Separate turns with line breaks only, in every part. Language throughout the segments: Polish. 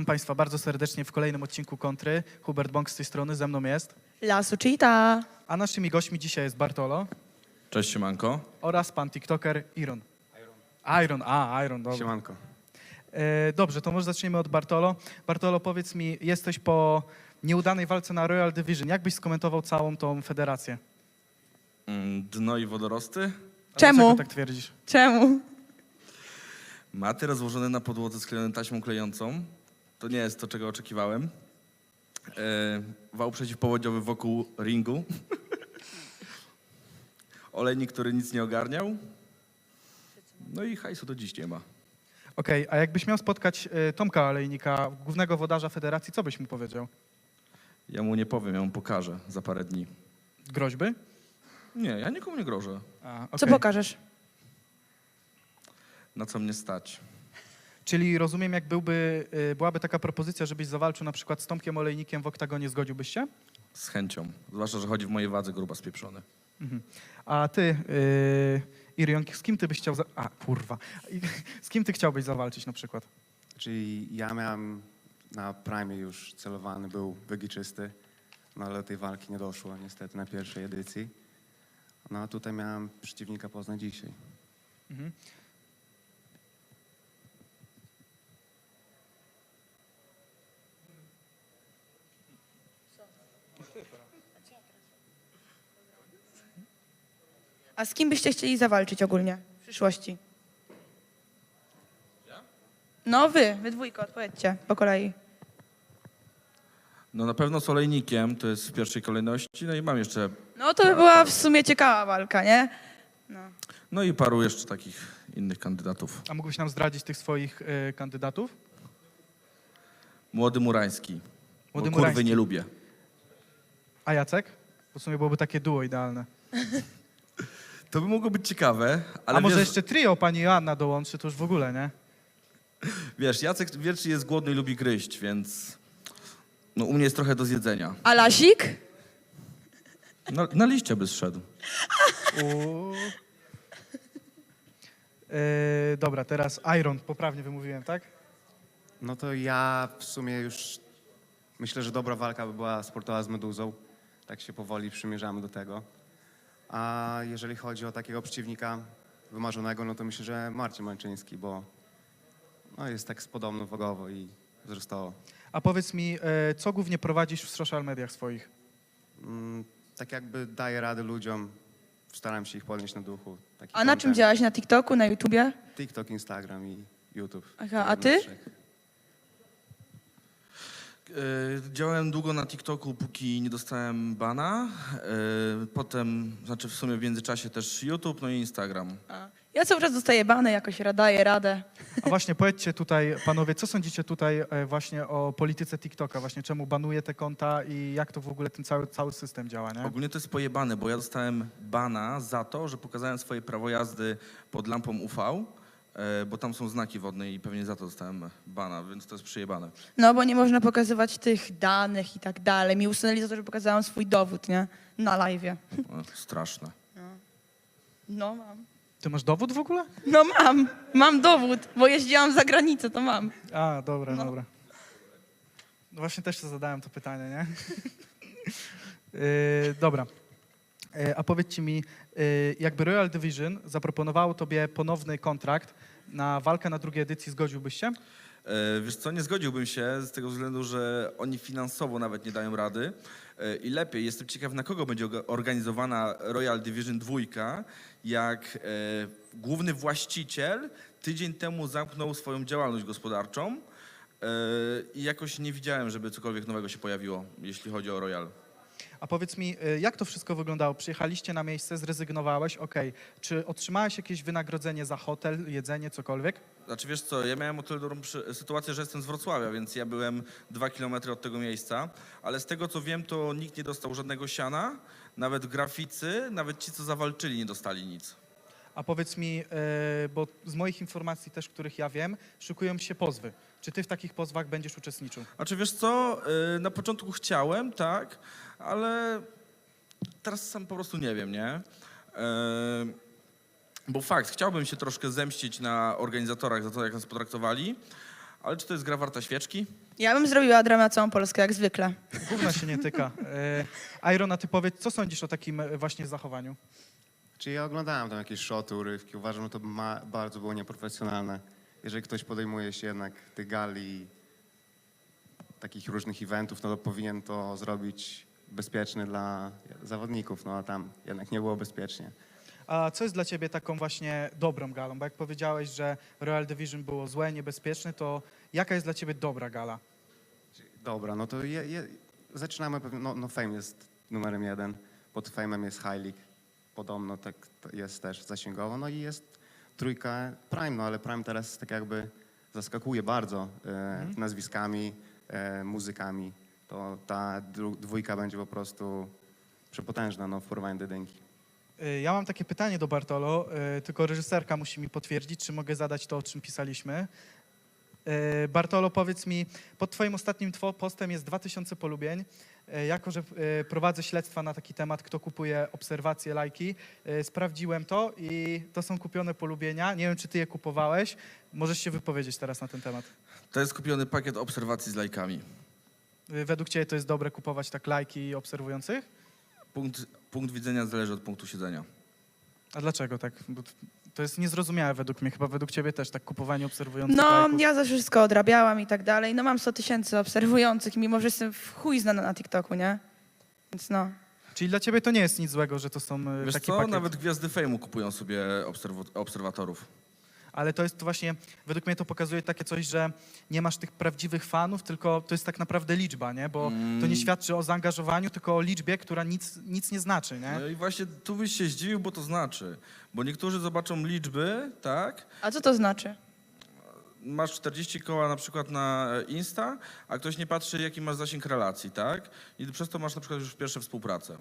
Witam Państwa bardzo serdecznie w kolejnym odcinku Kontry. Hubert Bąk z tej strony, ze mną jest.
La Suchita.
A naszymi gośćmi dzisiaj jest Bartolo
Cześć, siemanko.
oraz pan TikToker Iron. Iron, dobra.
Siemanko.
Dobrze, to może zaczniemy od Bartolo. Bartolo, powiedz mi, jesteś po nieudanej walce na Royal Division. Jak byś skomentował całą tą federację?
Dno i wodorosty.
A
Czemu?
Dlaczego tak twierdzisz?
Czemu?
Maty rozłożone na podłodze sklejone taśmą klejącą. To nie jest to, czego oczekiwałem. Wał przeciwpowodziowy wokół ringu. Olejnik, który nic nie ogarniał. No i hajsu do dziś nie ma.
Okej, a jakbyś miał spotkać Tomka Olejnika, głównego włodarza federacji, co byś mu powiedział?
Ja mu nie powiem, ja mu pokażę za parę dni.
Groźby?
Nie, ja nikomu nie grożę.
Co
Okej.
pokażesz?
Na co mnie stać?
Czyli rozumiem, jak byłaby taka propozycja, żebyś zawalczył na przykład z Tomkiem Olejnikiem w oktagonie, zgodziłbyś się?
Z chęcią. Zwłaszcza, że chodzi w mojej wadze gruba spieprzony.
A ty, Irion, z kim ty byś chciał... Z kim ty chciałbyś zawalczyć na przykład?
Czyli ja miałem na Prime już celowany, był wygiczysty, no ale do tej walki nie doszło niestety na pierwszej edycji. No a tutaj miałem przeciwnika poznać dzisiaj.
Mhm.
A z kim byście chcieli zawalczyć ogólnie w przyszłości? No wy dwójko, odpowiedzcie po kolei.
No na pewno z olejnikiem, to jest w pierwszej kolejności. No i mam jeszcze...
No to by była w sumie ciekawa walka, nie? No.
No i paru jeszcze takich innych kandydatów.
A mógłbyś nam zdradzić tych swoich kandydatów?
Młody Murański.
Młody
Bo kurwy
Murański.
nie lubię.
A Jacek? Bo w sumie byłoby takie duo idealne.
To by mogło być ciekawe, ale
A może
wiesz,
jeszcze trio pani Joanna dołączy, to już w ogóle, nie?
wiesz, Jacek wiecznie jest głodny i lubi gryźć, więc no, u mnie jest trochę do zjedzenia.
A Lasik?
Na liście by zszedł.
Uuu. Dobra, teraz Iron, poprawnie wymówiłem, tak?
No to ja w sumie już myślę, że dobra walka by była sportowa z Meduzą. Tak się powoli przymierzamy do tego. A jeżeli chodzi o takiego przeciwnika wymarzonego, no to myślę, że Marcin Męczyński, bo no, jest tak podobno wagowo i wzrostowo.
A powiedz mi, co głównie prowadzisz w social mediach swoich?
Tak jakby daję radę ludziom, staram się ich podnieść na duchu. Taki
A na czym
content.
działaś? Na TikToku, na YouTubie?
TikTok, Instagram i YouTube.
Aha, a ty?
Działałem długo na TikToku, póki nie dostałem bana. Potem, znaczy w sumie w międzyczasie też YouTube, no i Instagram.
A. Ja cały czas dostaję bany, jakoś daję radę.
A właśnie powiedzcie tutaj, panowie, co sądzicie tutaj właśnie o polityce TikToka? Właśnie czemu banuje te konta i jak to w ogóle ten cały system działa, nie?
Ogólnie to jest pojebane, bo ja dostałem bana za to, że pokazałem swoje prawo jazdy pod lampą UV, bo tam są znaki wodne i pewnie za to dostałem bana, więc to jest przyjebane.
No bo nie można pokazywać tych danych i tak dalej. Mi usunęli za to, że pokazałam swój dowód, nie? Na live'ie.
Straszne.
No mam.
Ty masz dowód w ogóle?
No mam dowód, bo jeździłam za granicę, to mam.
A, dobra,
No.
dobra. No właśnie też sobie zadałem to pytanie, nie? Dobra. A powiedzcie mi, jakby Royal Division zaproponowało tobie ponowny kontrakt na walkę na drugiej edycji, zgodziłbyś się?
Wiesz co, nie zgodziłbym się z tego względu, że oni finansowo nawet nie dają rady i lepiej, jestem ciekaw, na kogo będzie organizowana Royal Division 2, jak główny właściciel tydzień temu zamknął swoją działalność gospodarczą i jakoś nie widziałem, żeby cokolwiek nowego się pojawiło, jeśli chodzi o Royal.
A powiedz mi, jak to wszystko wyglądało? Przyjechaliście na miejsce, zrezygnowałeś, okej. Czy otrzymałeś jakieś wynagrodzenie za hotel, jedzenie, cokolwiek?
Znaczy wiesz co, ja miałem o tyle dobrą sytuację, że jestem z Wrocławia, więc ja byłem 2 kilometry od tego miejsca, ale z tego co wiem, to nikt nie dostał żadnego siana, nawet graficy, nawet ci co zawalczyli nie dostali nic.
A powiedz mi, bo z moich informacji też, których ja wiem, szykują się pozwy. Czy ty w takich pozwach będziesz uczestniczył?
Znaczy wiesz co, na początku chciałem, tak, ale teraz sam po prostu nie wiem, nie? Bo fakt, chciałbym się troszkę zemścić na organizatorach za to, jak nas potraktowali, ale czy to jest gra warta świeczki?
Ja bym zrobiła dramę na całą Polskę, jak zwykle.
Gówna się nie tyka. Iron, a ty powiedz, co sądzisz o takim właśnie zachowaniu?
Czyli ja oglądałem tam jakieś shoty, urywki, uważam, że to bardzo było nieprofesjonalne. Jeżeli ktoś podejmuje się jednak tych gali, takich różnych eventów, no to powinien to zrobić bezpieczny dla zawodników, no a tam jednak nie było bezpiecznie.
A co jest dla ciebie taką właśnie dobrą galą? Bo jak powiedziałeś, że Royal Division było złe, niebezpieczne, to jaka jest dla ciebie dobra gala?
Dobra, no to zaczynamy pewnie, no Fame jest numerem 1, pod Fame'em jest High League, podobno tak jest też zasięgowo, no i jest trójka Prime, no ale Prime teraz tak jakby zaskakuje bardzo nazwiskami, muzykami, to ta dwójka będzie po prostu przepotężna, no w porównaniu do jedynki.
Ja mam takie pytanie do Bartolo, tylko reżyserka musi mi potwierdzić, czy mogę zadać to, o czym pisaliśmy. Bartolo, powiedz mi, pod twoim ostatnim postem jest 2000 polubień. Jako że prowadzę śledztwa na taki temat, kto kupuje obserwacje, lajki, sprawdziłem to i to są kupione polubienia. Nie wiem, czy ty je kupowałeś. Możesz się wypowiedzieć teraz na ten temat.
To jest kupiony pakiet obserwacji z lajkami.
Według ciebie to jest dobre kupować tak lajki obserwujących?
Punkt widzenia zależy od punktu siedzenia.
A dlaczego tak? Bo to jest niezrozumiałe według mnie, chyba według ciebie też, tak kupowanie obserwujących
No,
lajków.
ja za wszystko odrabiałam i tak dalej. No mam 100 000 obserwujących, mimo że jestem w chuj znana na TikToku, nie? Więc no.
Czyli dla ciebie to nie jest nic złego, że to są
Wiesz
taki
co,
pakiet.
nawet gwiazdy fejmu kupują sobie obserwatorów.
Ale to jest właśnie, według mnie to pokazuje takie coś, że nie masz tych prawdziwych fanów, tylko to jest tak naprawdę liczba, nie? Bo to nie świadczy o zaangażowaniu, tylko o liczbie, która nic nie znaczy, nie?
No i właśnie tu byś się zdziwił, bo to znaczy. Bo niektórzy zobaczą liczby, tak?
A co to znaczy?
Masz 40 koła na przykład na Insta, a ktoś nie patrzy, jaki masz zasięg relacji, tak? I przez to masz na przykład już pierwsze współpracę.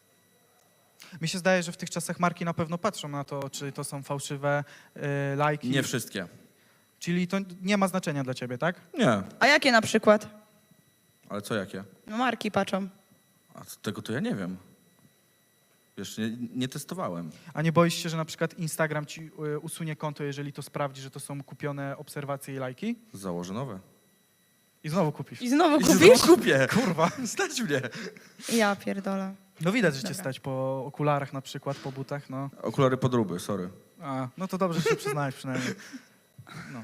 Mi się zdaje, że w tych czasach marki na pewno patrzą na to, czy to są fałszywe lajki.
Nie wszystkie.
Czyli to nie ma znaczenia dla ciebie, tak?
Nie.
A jakie na przykład?
Ale co jakie?
No marki patrzą.
A tego to ja nie wiem. Wiesz, nie testowałem.
A nie boisz się, że na przykład Instagram ci usunie konto, jeżeli to sprawdzi, że to są kupione obserwacje i lajki?
Założę nowe.
I znowu kupisz.
I znowu
I
kupisz?
znowu kupię.
Kurwa.
Stać mnie.
Ja pierdolę.
No widać, że cię
Dobra.
stać po okularach na przykład, po butach, no.
Okulary podróby, sorry.
A, no to dobrze, że się przyznałeś przynajmniej. No.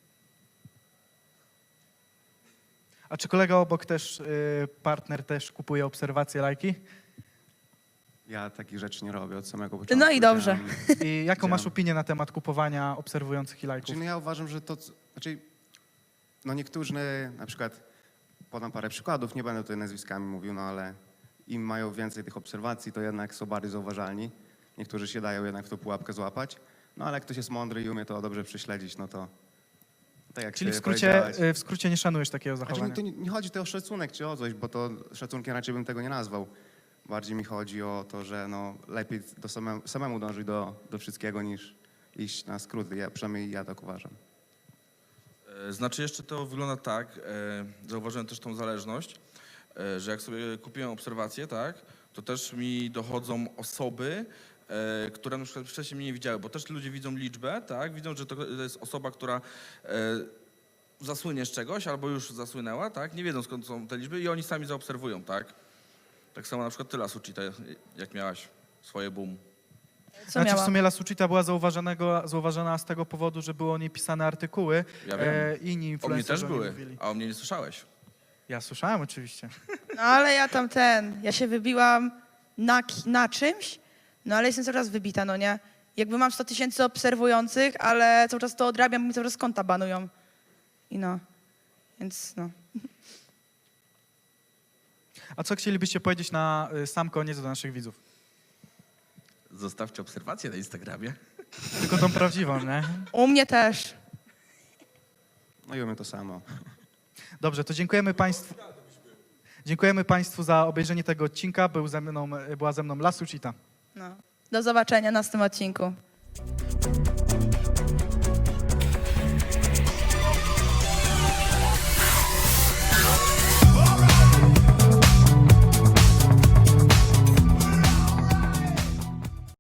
A czy kolega obok też, partner też kupuje obserwacje, lajki?
Ja takich rzeczy nie robię od samego początku.
No i dobrze.
I jaką masz
Widziałem.
opinię na temat kupowania obserwujących i lajków?
Znaczy, no ja uważam, że no niektórzy, na przykład, podam parę przykładów, nie będę tutaj nazwiskami mówił, no ale im mają więcej tych obserwacji, to jednak są bardziej zauważalni. Niektórzy się dają jednak w tą pułapkę złapać, no ale jak ktoś jest mądry i umie to dobrze prześledzić, no to tak jak
Czyli
ty
w
powiedziałeś.
skrócie nie szanujesz takiego
Znaczy,
zachowania?
to nie chodzi tutaj o szacunek czy o coś, bo to szacunkiem raczej bym tego nie nazwał. Bardziej mi chodzi o to, że no, lepiej samemu dążyć do wszystkiego niż iść na skróty. Przynajmniej ja tak uważam.
Znaczy jeszcze to wygląda tak, zauważyłem też tą zależność, że jak sobie kupiłem obserwacje, tak, to też mi dochodzą osoby, które na przykład wcześniej mnie nie widziały, bo też ludzie widzą liczbę, tak, widzą, że to jest osoba, która zasłynie z czegoś albo już zasłynęła, tak, nie wiedzą skąd są te liczby i oni sami zaobserwują, tak. Tak samo na przykład ty, Lasucita, jak miałaś swoje boom.
Co
Znaczy w
miałam?
sumie La Suchita była zauważona z tego powodu, że były o niej pisane artykuły.
Ja wiem.
Inni
O mnie
influencerzy
też
o niej
były,
mówili.
a o mnie nie słyszałeś.
Ja słyszałem oczywiście.
No ale ja ja się wybiłam na czymś, no ale jestem coraz wybita, no nie? Jakby mam 100 000 obserwujących, ale cały czas to odrabiam, bo mi coraz konta banują. I no, więc no.
A co chcielibyście powiedzieć na sam koniec do naszych widzów?
Zostawcie obserwacje na Instagramie.
Tylko tą prawdziwą, nie?
U mnie też.
No i umiem to samo.
Dobrze, to dziękujemy Państwu. Dziękujemy Państwu za obejrzenie tego odcinka. Była ze mną La Suchita.
No. Do zobaczenia na następnym odcinku.